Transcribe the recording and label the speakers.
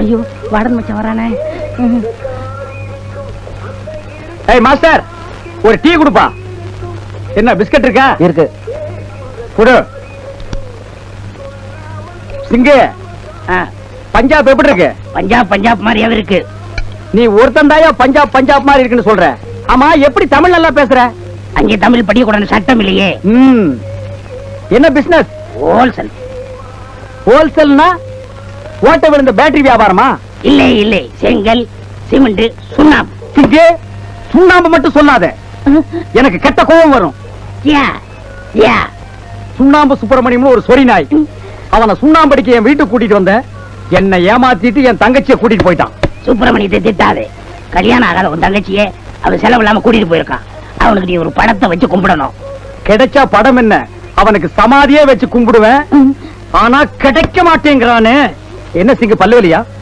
Speaker 1: ஐயோ வாடன் மச்சான் வரானே.
Speaker 2: ஏய் மாஸ்டர், ஒரு டீ கொடுப்பா. என்ன பிஸ்கட் இருக்கா?
Speaker 3: இருக்கு.
Speaker 2: குடு. சிங்கு, பஞ்சாப் எப்படி இருக்கு?
Speaker 1: பஞ்சாப் பஞ்சாப் மாதிரியாவே இருக்கு.
Speaker 2: நீ ஒருத்தன் தாயா பஞ்சாப் பஞ்சாப் மாதிரி இருக்குன்னு சொல்ற. ஆமா, எப்படி தமிழ் நல்லா பேசுற?
Speaker 1: அங்கே தமிழ் படிக்க கூடாது சட்டம் இல்லையே.
Speaker 2: என்ன பிசினஸ்?
Speaker 1: ஹோல்சேல்.
Speaker 2: ஹோல்சேல்னா ஓட்ட விழுந்த பேட்டரி வியாபாரமா?
Speaker 1: இல்லை இல்லை, செங்கல் சிமெண்ட் சுண்ணாம்பு.
Speaker 2: சிங்கு, சுண்ணாம்பு மட்டும் சொல்லாத, எனக்கு கெட்ட கோபம் வரும்.
Speaker 1: யா யா.
Speaker 2: சுண்ணாம்பு சுப்பிரமணியம் ஒரு சொறி நாய். அவனை சுண்ணாம்படிக்கு என் வீட்டுக்கு கூட்டிட்டு வந்த, என்னை ஏமாத்திட்டு என் தங்கச்சியை கூட்டிட்டு போயிட்டான்.
Speaker 1: சுப்பிரமணியத்தை திட்டாதே. கல்யாணம் ஆகாத உன் தங்கச்சியே அவன் செலவு இல்லாம கூட்டிட்டு போயிருக்கான். அவனுக்கு நீ ஒரு படத்தை வச்சு கும்பிடணும்.
Speaker 2: கிடைச்சா படம் என்ன, அவனுக்கு சமாதியே வச்சு கும்பிடுவேன். ஆனா கிடைக்க மாட்டேங்கிறானே. என்ன சிங்கு, பல்லுவலியா?